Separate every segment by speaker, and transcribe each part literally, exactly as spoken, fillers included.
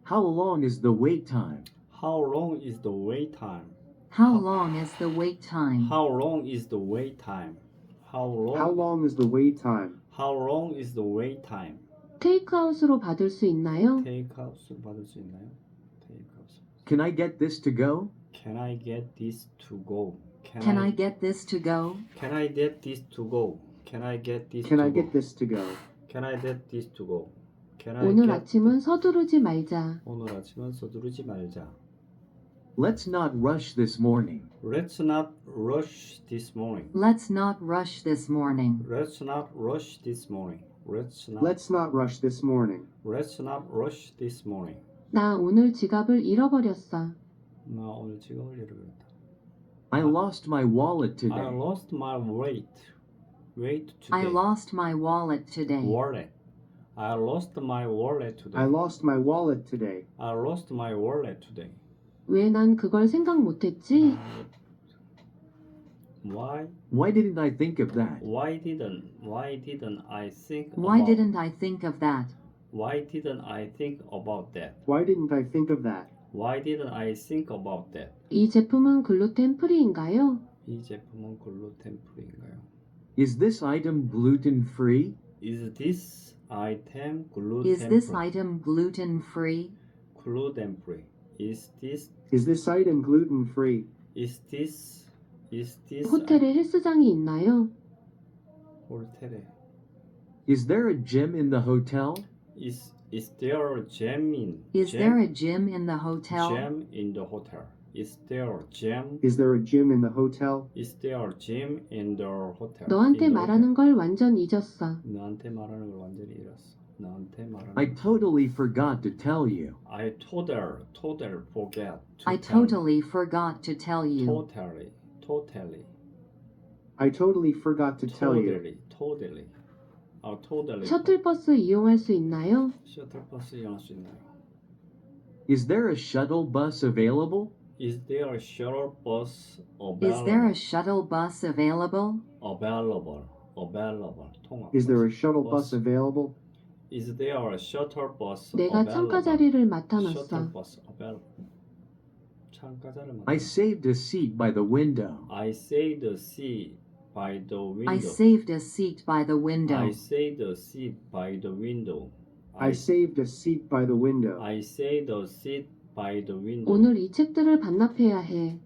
Speaker 1: How long is the wait time?
Speaker 2: How long is the wait time?
Speaker 3: How long is the wait time?
Speaker 2: How long is the wait time? How long?
Speaker 4: How long is the wait time?
Speaker 2: How long is the wait time?
Speaker 5: 테이크아웃으로 받을 수 있나요?
Speaker 2: 테이크아웃 받을 수 있나요? 테이크아웃.
Speaker 1: Can I get this to go?
Speaker 2: Can I get this to go?
Speaker 3: Can I get this to go?
Speaker 2: Can I get this to go? Can I get this
Speaker 4: Can
Speaker 2: to
Speaker 4: I
Speaker 2: go?
Speaker 4: get this to go?
Speaker 2: Can I get this to go? Can I
Speaker 5: 오늘
Speaker 2: get
Speaker 5: 아침은 서두르지 말자.
Speaker 2: 오늘 아침은 서두르지 말자.
Speaker 1: Let's not rush this morning.
Speaker 2: Let's not rush this morning.
Speaker 3: Let's not rush this morning.
Speaker 2: Let's not rush this morning. Let's not
Speaker 4: Let's not rush this morning.
Speaker 2: Let's not rush this morning.
Speaker 5: 나 오늘 지갑을 잃어버렸어.
Speaker 2: 나 오늘 지갑을 잃어버렸다.
Speaker 1: I lost my wallet
Speaker 2: I
Speaker 1: today.
Speaker 2: lost my weight. Weight today.
Speaker 3: I lost my wallet today.
Speaker 2: wallet. I lost my wallet today.
Speaker 4: I lost my wallet today.
Speaker 2: I lost my wallet today.
Speaker 5: 왜 난 그걸 생각 못했지?
Speaker 2: Why?
Speaker 1: Why didn't I think of that?
Speaker 2: Why didn't? Why didn't I think?
Speaker 3: Why
Speaker 2: about,
Speaker 3: didn't I think of that?
Speaker 2: Why didn't I think about that?
Speaker 4: Why didn't I think of that?
Speaker 2: Why didn't I think about that?
Speaker 5: 이 제품은 글루텐 프리인가요?
Speaker 2: 이 제품은 글루텐 프리인가요?
Speaker 1: Is this item gluten free?
Speaker 2: Is this item gluten
Speaker 3: Is this
Speaker 2: free?
Speaker 3: item gluten free?
Speaker 2: gluten free? Is this
Speaker 4: Is this item gluten free?
Speaker 2: is this is this
Speaker 5: 호텔에 헬스장이 있나요?
Speaker 2: 호텔에
Speaker 1: Is there a gym in the hotel?
Speaker 2: is is there a gym in
Speaker 3: Is
Speaker 2: gym,
Speaker 3: there a gym in the hotel?
Speaker 2: gym in the hotel? Is there a gym?
Speaker 4: Is there a gym in the hotel?
Speaker 2: Is there a gym in the hotel?
Speaker 5: 너한테
Speaker 2: In the
Speaker 5: 말하는 걸 완전 잊었어.
Speaker 2: hotel. 너한테 말하는 걸 완전히 잃었어. 너한테 말하는
Speaker 1: I
Speaker 2: 걸-
Speaker 1: totally forgot to tell you.
Speaker 2: I total total forget to
Speaker 3: I
Speaker 2: tell you.
Speaker 3: totally forgot to tell you.
Speaker 2: totally totally
Speaker 4: I totally forgot to tell you.
Speaker 2: totally totally 아 totally
Speaker 5: 셔틀버스 이용할 수 있나요?
Speaker 2: 셔틀버스 이용할 수 있나요?
Speaker 1: Is there a shuttle bus available?
Speaker 2: Is there a shuttle bus
Speaker 3: Is there
Speaker 2: available?
Speaker 3: a shuttle bus available?
Speaker 2: available available 통화
Speaker 4: Is there a shuttle
Speaker 2: bus.
Speaker 4: bus available?
Speaker 2: Is there a shuttle bus
Speaker 5: 내가
Speaker 2: available?
Speaker 5: 창가 자리를 맡아놨어.
Speaker 2: shuttle bus available 창가 자리를
Speaker 1: I
Speaker 2: 맡아
Speaker 1: saved a seat by the window.
Speaker 2: I saved the seat by the window
Speaker 3: I saved a seat by the window.
Speaker 2: I saved the seat by the window
Speaker 4: I saved a seat by the window.
Speaker 2: I saved the seat by the window
Speaker 5: 오늘 이 책들을 반납해야 해.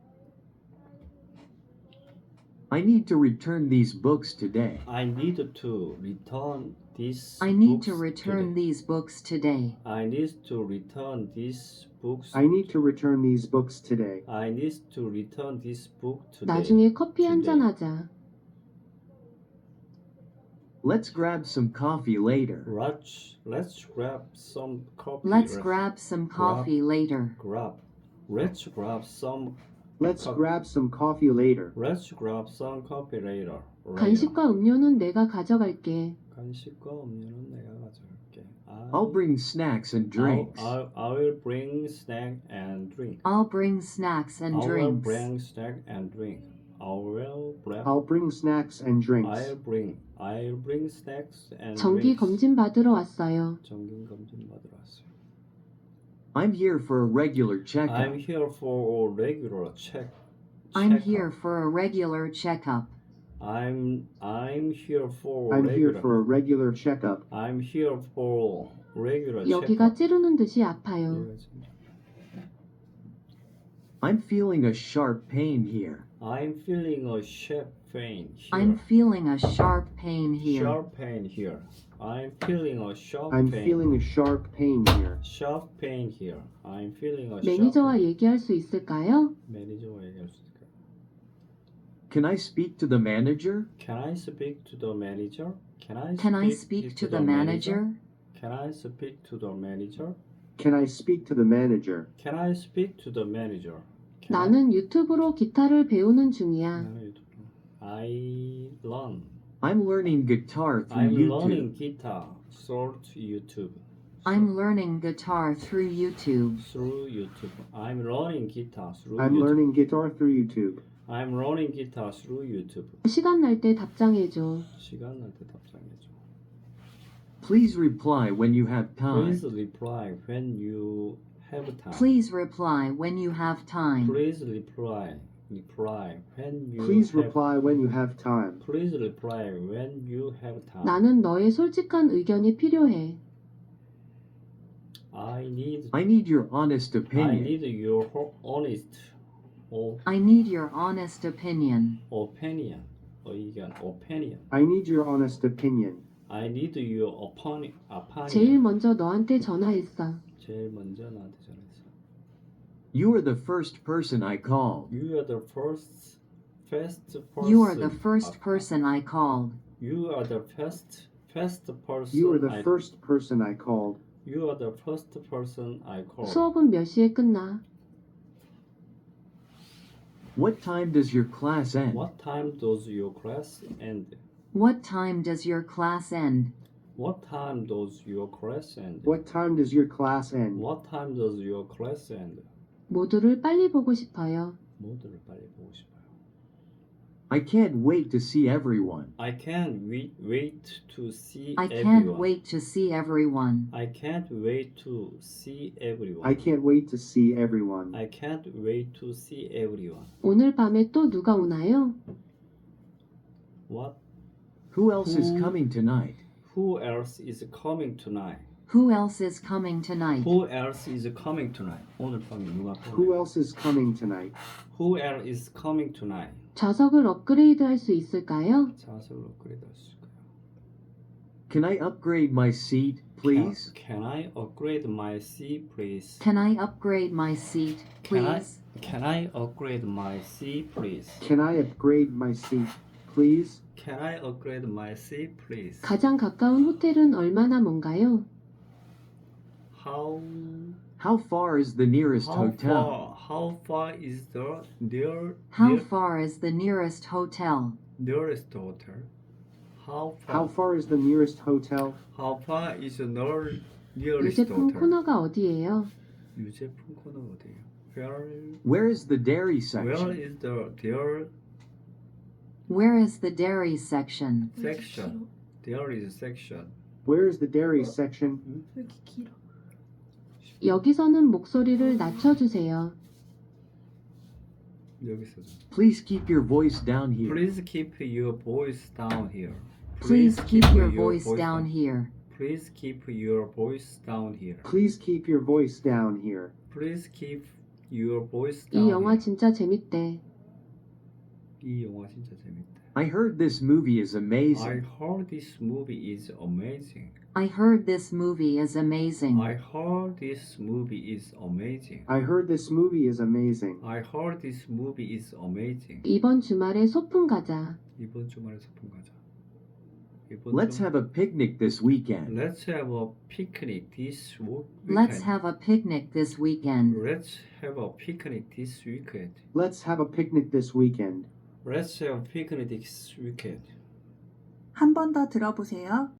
Speaker 1: I need to return these books today.
Speaker 2: I need to return this
Speaker 3: I need to
Speaker 2: books
Speaker 3: return
Speaker 2: today.
Speaker 3: these books today.
Speaker 2: I need to return these books
Speaker 4: I need to return these books today.
Speaker 2: I need to return this book today.
Speaker 5: 나중에 커피 한 잔
Speaker 2: today.
Speaker 5: 하자.
Speaker 1: Let's grab some coffee later.
Speaker 2: Let's let's grab some coffee.
Speaker 3: Let's grab some coffee later.
Speaker 2: grab. Let's grab some.
Speaker 4: Let's
Speaker 2: Co-
Speaker 4: grab some coffee later.
Speaker 2: Let's grab some coffee later. later.
Speaker 5: 간식과 음료는 내가 가져갈게.
Speaker 2: 간식과 음료는 내가 가져갈게. I,
Speaker 1: I'll bring snacks and drinks.
Speaker 2: I'll, I'll, I will bring snack and drink.
Speaker 3: I'll bring snacks and
Speaker 2: I will
Speaker 3: drinks.
Speaker 2: bring snack and drink. I will bring.
Speaker 4: I'll bring snacks and drinks.
Speaker 2: I'll bring. I'll bring snacks and
Speaker 5: 정기
Speaker 2: drinks.
Speaker 5: 검진 받으러 왔어요.
Speaker 2: 정기 검진 받으러 왔어요.
Speaker 1: I'm here for a regular checkup.
Speaker 2: I'm here for a regular check.
Speaker 3: I'm
Speaker 2: checkup.
Speaker 3: here for a regular checkup.
Speaker 2: I'm I'm here for
Speaker 4: I'm
Speaker 2: regular.
Speaker 4: here for a regular checkup.
Speaker 2: I'm here for regular
Speaker 5: 여기가
Speaker 2: checkup.
Speaker 5: 찌르는 듯이 아파요.
Speaker 1: I'm feeling a sharp pain here.
Speaker 2: I'm feeling a sharp pain here.
Speaker 3: I'm feeling a sharp pain here.
Speaker 2: Sharp pain here. I'm feeling a sharp
Speaker 4: I'm
Speaker 2: pain.
Speaker 4: feeling a sharp pain here.
Speaker 2: sharp pain here. I'm feeling a
Speaker 5: 매니저와
Speaker 2: sharp
Speaker 5: 얘기할 수 있을까요?
Speaker 2: 매니저와 얘기할 수 있을까요?
Speaker 1: Can I speak to the manager?
Speaker 2: Can I speak to the manager? Can I
Speaker 3: Can I speak to the manager?
Speaker 2: Can I speak to the manager?
Speaker 4: Can I speak to the manager?
Speaker 2: Can I speak to the manager? Can
Speaker 5: 나는 유튜브로 기타를 배우는
Speaker 2: I,
Speaker 5: 중이야.
Speaker 2: 나는 유튜브. I learn.
Speaker 1: I'm learning guitar through
Speaker 2: I'm
Speaker 1: YouTube.
Speaker 2: learning guitar through YouTube.
Speaker 3: I'm learning guitar through YouTube.
Speaker 2: through YouTube. I'm learning guitar through
Speaker 4: I'm
Speaker 2: YouTube.
Speaker 4: learning guitar through YouTube.
Speaker 2: I'm learning guitar through YouTube.
Speaker 5: 시간 날 때 답장해줘.
Speaker 2: 시간 날 때 답장해줘.
Speaker 1: Please reply when you have
Speaker 2: Please
Speaker 1: time.
Speaker 2: reply when you have time.
Speaker 3: Please reply when you have time.
Speaker 2: Please reply. Reply when you
Speaker 4: Please
Speaker 2: have
Speaker 4: reply when you have time.
Speaker 2: Please reply when you have time.
Speaker 5: 나는 너의 솔직한 의견이 필요해.
Speaker 2: I need
Speaker 1: I need your honest
Speaker 2: I
Speaker 1: opinion.
Speaker 2: need your ho- honest o-
Speaker 3: I need your honest opinion.
Speaker 2: opinion. 의견 opinion.
Speaker 4: I need your honest opinion.
Speaker 2: I need your opinion.
Speaker 5: 제일
Speaker 2: opinion.
Speaker 5: 먼저 너한테 전화했어.
Speaker 2: 제일 먼저 나한테 전했어.
Speaker 1: You are the first person I called.
Speaker 2: You are the first first person.
Speaker 3: You are the first
Speaker 2: I-
Speaker 3: person I called.
Speaker 2: You are the first first person.
Speaker 4: You are the
Speaker 2: I-
Speaker 4: first person I called.
Speaker 2: You are the first person I called.
Speaker 5: 수업은 몇 시에 끝나?
Speaker 1: What time does your class end?
Speaker 2: What time does your class end?
Speaker 3: What time does your class end?
Speaker 2: What time does your class end?
Speaker 4: What time does your class end?
Speaker 2: What time does your class end?
Speaker 5: 모두를 빨리 보고 싶어요.
Speaker 2: 모두를 빨리 보고 싶어요.
Speaker 1: I can't wait to see everyone.
Speaker 2: I can't wait, wait to see
Speaker 3: I
Speaker 2: everyone.
Speaker 3: can't wait to see everyone.
Speaker 2: I can't wait to see everyone.
Speaker 4: I can't wait to see everyone.
Speaker 2: I can't wait to see everyone.
Speaker 5: 오늘 밤에 또 누가 오나요?
Speaker 2: What?
Speaker 1: Who else is
Speaker 2: Who-
Speaker 1: coming tonight?
Speaker 2: Who else is coming tonight?
Speaker 3: Who else is coming tonight?
Speaker 2: Who else is coming tonight? 오늘 밤에 누가
Speaker 4: Who
Speaker 2: 오나요?
Speaker 4: else is coming tonight?
Speaker 2: Who else is coming tonight?
Speaker 5: 좌석을 업그레이드 할 수 있을까요?
Speaker 2: 자석을 업그레이드 하실까요?
Speaker 1: Can I upgrade my seat, please?
Speaker 2: Can, can I upgrade my seat, please?
Speaker 3: Can I upgrade my seat,
Speaker 2: Can I,
Speaker 3: please?
Speaker 2: can I upgrade my seat, please?
Speaker 4: Can I upgrade my seat, please?
Speaker 2: Can I upgrade my seat, please?
Speaker 5: 가장 가까운 호텔은 얼마나 먼가요?
Speaker 2: How
Speaker 1: How far is the nearest
Speaker 2: how
Speaker 1: hotel?
Speaker 2: far how far is the near
Speaker 3: How
Speaker 2: near,
Speaker 3: far is the nearest hotel?
Speaker 2: nearest hotel? How far
Speaker 4: How far is the nearest hotel?
Speaker 2: how far is the near, nearest
Speaker 5: 유제품
Speaker 2: hotel?
Speaker 5: 코너가 어디예요?
Speaker 2: 유제품 코너 어디예요? Where
Speaker 1: Where is the dairy
Speaker 2: where
Speaker 1: section?
Speaker 2: is the there
Speaker 3: Where is the dairy section?
Speaker 2: section? There is section.
Speaker 4: Where is the dairy section?
Speaker 5: 여기서는 목소리를 낮춰주세요.
Speaker 2: 여기서
Speaker 1: Please keep your voice down here.
Speaker 2: Please keep your voice down here.
Speaker 3: Please keep your voice down here.
Speaker 2: Please keep your voice down here.
Speaker 4: Please keep your voice down here.
Speaker 2: Please keep your voice down
Speaker 5: 이 영화
Speaker 2: here.
Speaker 5: 진짜 재밌대.
Speaker 2: 이 영화 진짜 재밌다.
Speaker 1: I heard this movie is
Speaker 2: I
Speaker 1: amazing.
Speaker 2: heard this movie is amazing.
Speaker 3: I heard this movie is amazing.
Speaker 2: I heard this movie is amazing.
Speaker 4: I heard this movie is amazing.
Speaker 2: I heard this movie is amazing.
Speaker 5: 이번 주말에 소풍 가자.
Speaker 2: 이번 주말에 소풍 가자. 이번
Speaker 1: Let's
Speaker 2: 주-
Speaker 1: have a picnic this weekend.
Speaker 2: Let's have a picnic this wo- weekend.
Speaker 3: Let's have a picnic this weekend.
Speaker 2: Let's have a picnic this weekend.
Speaker 4: Let's have a picnic this weekend.
Speaker 2: Let's have a picnic this weekend.
Speaker 6: 한 번 더 들어보세요.